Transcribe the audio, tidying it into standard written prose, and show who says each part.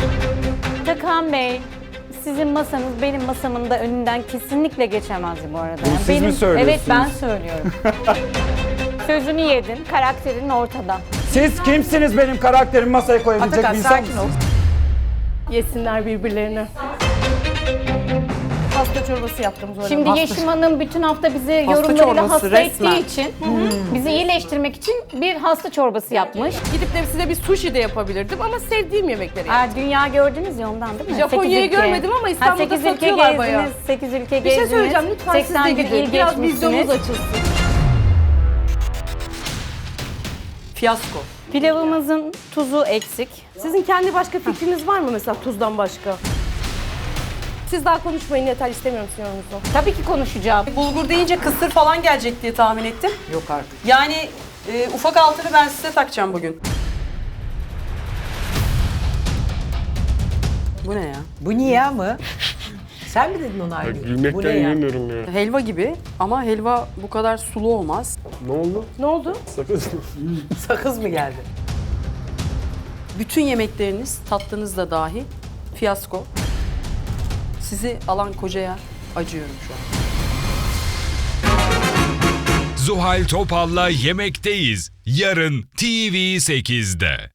Speaker 1: Takan Bey, sizin masanız benim masamın da önünden kesinlikle geçemez bu arada.
Speaker 2: Bunu siz mi
Speaker 1: benim,
Speaker 2: söylüyorsunuz?
Speaker 1: Evet, ben söylüyorum. Sözünü yedin, karakterin ortada.
Speaker 2: Siz kimsiniz benim karakterimi masaya koyabilecek
Speaker 3: Atakan
Speaker 2: bir insan
Speaker 3: sakin ol.
Speaker 2: mısınız?
Speaker 3: Yesinler birbirlerini. Pasta çorbası yaptım Zuhal
Speaker 1: Şimdi
Speaker 3: Hanım.
Speaker 1: Yeşim Hanım bütün hafta bizi
Speaker 3: Hasta
Speaker 1: yorumlarıyla
Speaker 3: çorbası
Speaker 1: hasta
Speaker 3: resmen.
Speaker 1: ettiği için, bizi iyileştirmek için bir hasta çorbası yapmış.
Speaker 3: Gidip de size bir sushi de yapabilirdim ama sevdiğim yemekleri yaptım.
Speaker 1: Dünya gördünüz ya ondan değil mi?
Speaker 3: Japonya'yı
Speaker 1: 8 ülke.
Speaker 3: görmedim ama İstanbul'da
Speaker 1: 8 ülke
Speaker 3: satıyorlar bayağı.
Speaker 1: gezdiniz, 8 ülke
Speaker 3: Bir şey
Speaker 1: gezdiniz.
Speaker 3: söyleyeceğim, lütfen siz de
Speaker 1: 81
Speaker 3: gidin.
Speaker 1: il
Speaker 3: Biraz vizyonunuz
Speaker 1: geçmişsiniz.
Speaker 3: açılsın.
Speaker 4: Fiyasko.
Speaker 1: Pilavımızın tuzu eksik.
Speaker 3: Sizin kendi başka fikriniz var mı mesela tuzdan başka? Siz daha konuşmayın yeter, istemiyorum sizin yorumunuzu.
Speaker 1: Tabii ki konuşacağım.
Speaker 4: Bulgur deyince kısır falan gelecek diye tahmin ettim.
Speaker 2: Yok artık.
Speaker 4: Yani ufak altını ben size takacağım bugün. Bu ne ya?
Speaker 5: Bu niye mı? Sen mi dedin onu Aylin? Bu ne
Speaker 6: Gülmekten
Speaker 5: ya?
Speaker 6: yiyemiyorum ya.
Speaker 4: Helva gibi ama helva bu kadar sulu olmaz.
Speaker 6: Ne oldu?
Speaker 3: Ne oldu?
Speaker 6: Sakız.
Speaker 5: Sakız mı geldi?
Speaker 4: Bütün yemekleriniz, tatlınız da dahi fiyasko. Sizi alan kocaya acıyorum şu an.
Speaker 7: Zuhal Topal'la Yemekteyiz. Yarın TV8'de.